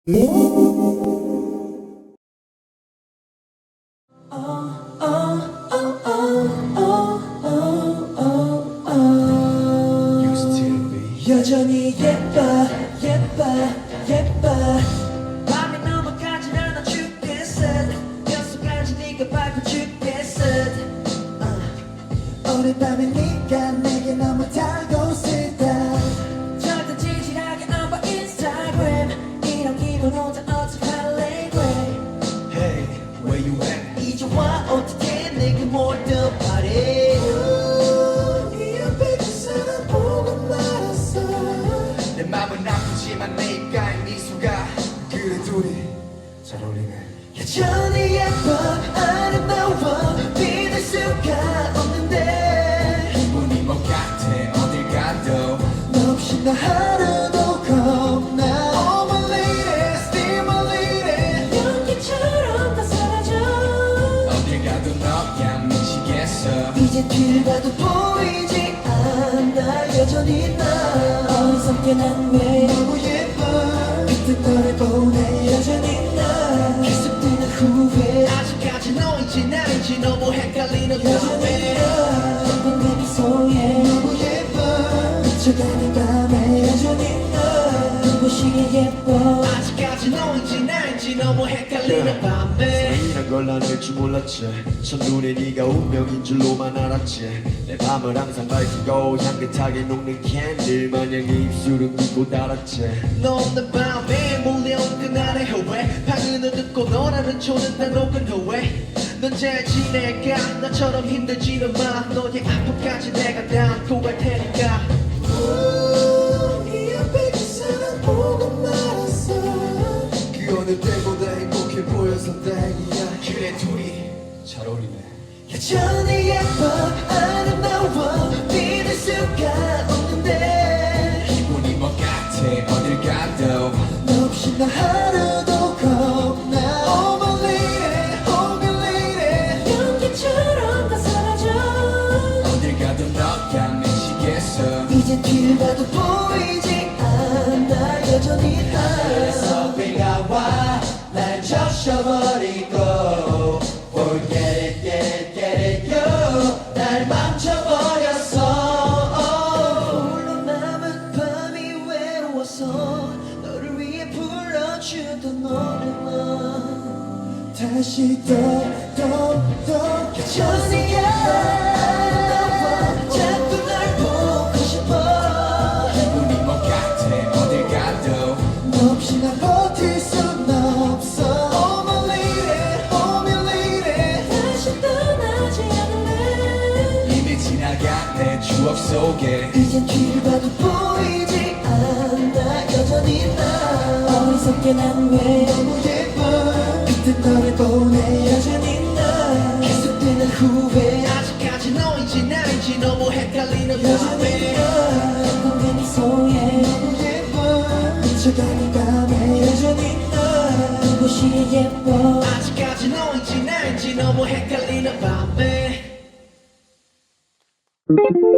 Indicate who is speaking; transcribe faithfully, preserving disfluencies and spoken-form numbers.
Speaker 1: 여전히 예뻐 예뻐 예뻐 밤이 넘어가질 않아 죽겠어 뼛속까지 네가 밟고 죽겠어 uh. 오늘 밤에 네가 내게 너무 달고있다 절대 지질하게 안 봐 인스타그램 이런 기분 혼자 어떡할래 그래
Speaker 2: Hey, where you at?
Speaker 1: 이제 와 어떻게 내게 뭘 더 바래 네 옆에 그 사람 보고 말았어
Speaker 2: 내 맘은 아프지만 내 입가에 미소가 그래 둘이 잘 어울리네.
Speaker 1: 여전히 예뻐 아름다워 믿을 수가 없는데
Speaker 2: 기분이 뭐 같아 어딜 가도
Speaker 1: 너 없이 나 하루도 겁나 Oh my lady, still my lady 연기처럼 다 사라져
Speaker 2: 어딜 가도 너야 미치겠어.
Speaker 1: 이제 뒤를 봐도 보이지 않아 여전히 나 어리석게 난 왜 너무 예뻐 그때 너를 보내 여전히 나 계속되는 후회
Speaker 3: 아직까지 너인지 나인지 너무 헷갈리는
Speaker 1: 여전히 나 예쁜 내 미소에 너무 예뻐 미쳐가는 밤에 여전히 나 눈부시게 예뻐
Speaker 3: 아직까지 너인지 나인지 너무 헷갈리는 밤에
Speaker 2: 사랑이란 걸 나눌 줄 몰랐지. 첫눈에 네가 운명인 줄로만 알았지. 내 밤을 항상 밝히고 향긋하게 녹는 캔들 마냥 네 입술은 굳고 닳았지.
Speaker 3: 너 없는 밤에 몰려온 그날의 후회 방은을 듣고 너라는 초는 다 녹은 후회 넌 잘 지낼까 나처럼 힘들지는 마 너의 아픔까지 내가 다 안고 갈 테니까
Speaker 1: 네 옆에 그 사람 보고 말았어
Speaker 2: 그 어느 때보다 행복해 보여서 다행이야. 그래 둘이 잘 어울리네.
Speaker 1: 여전히 예뻐 아름다워 믿을 수가 없는데
Speaker 2: 기분이 뭐 같아 어딜 가도
Speaker 1: 너 없이 나 하루도 겁나 Oh my lady, oh my lady 연기처럼 다 사라져
Speaker 2: 어딜 가도 너야 미치겠어.
Speaker 1: 이제 뒤를 봐도 보이지 않아 여전히 나
Speaker 3: 그래서 비가 와 날 적셔버리고 Forget it, get it, get it, you 날 망쳐버렸어
Speaker 1: 홀로 남은 밤이 외로워서 너를 위해 불러주던 노래만 다시 또또또 여전히 아름다워 자꾸 널 보고 싶어
Speaker 2: 기분이 뭐 같아 어딜 가도
Speaker 1: 너 없이 난 버틸 순 없어 Oh my lady, oh my lady 다시 떠나지 않을래
Speaker 2: 이미 지나간 내 추억 속에
Speaker 1: 이젠 뒤를 봐도 보이지 않아 여전히 나 어리석게 난 왜 너무 예뻐 그때 너를 보내 여전히 나 계속되는 후회
Speaker 3: 아직까지 너인지 나인지 너무 헷갈리는
Speaker 1: 여전히
Speaker 3: 밤에
Speaker 1: 나 예쁜 내 미소에 너무 예뻐 미쳐가는 밤에 여전히 나 눈부시게 예뻐
Speaker 3: 아직까지 너인지 나인지 너무 헷갈리는 밤에